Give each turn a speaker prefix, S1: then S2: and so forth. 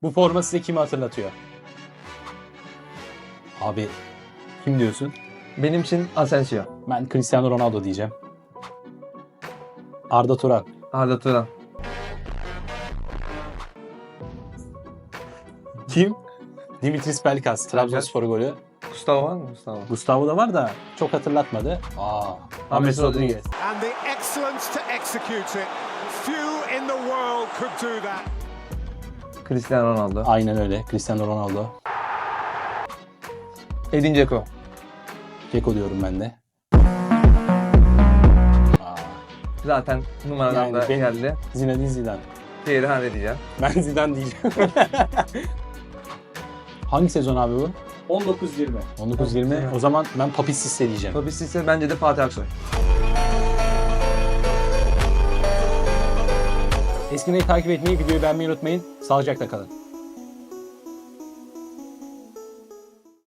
S1: Bu forma size kimi hatırlatıyor? Abi kim diyorsun?
S2: Benim için Asensio.
S1: Ben Cristiano Ronaldo diyeceğim. Arda Turan.
S2: Arda Turan.
S1: Kim? Dimitris Pelkas. Trabzonspor golü.
S2: Gustavo var mı?
S1: Gustavo da var da çok hatırlatmadı. James Rodriguez.
S3: And the excellence to execute it. Few in the world could do that.
S2: Cristiano Ronaldo.
S1: Aynen öyle. Cristiano Ronaldo.
S2: Edin Dzeko.
S1: Dzeko diyorum ben de.
S2: Zaten numaradan
S1: Yani
S2: da geldi.
S1: Zinedine Zidane.
S2: Thierry Henry diyeceğim.
S1: Ben Zidane diyeceğim. Hangi sezon abi bu?
S4: 19-20.
S1: 19-20. O zaman ben Papi Cisse diyeceğim.
S2: Papi Cisse bence de Fatih Aksoy.
S1: Eskimeyi takip etmeyi, videoyu beğenmeyi unutmayın. Sağlıcakla kalın.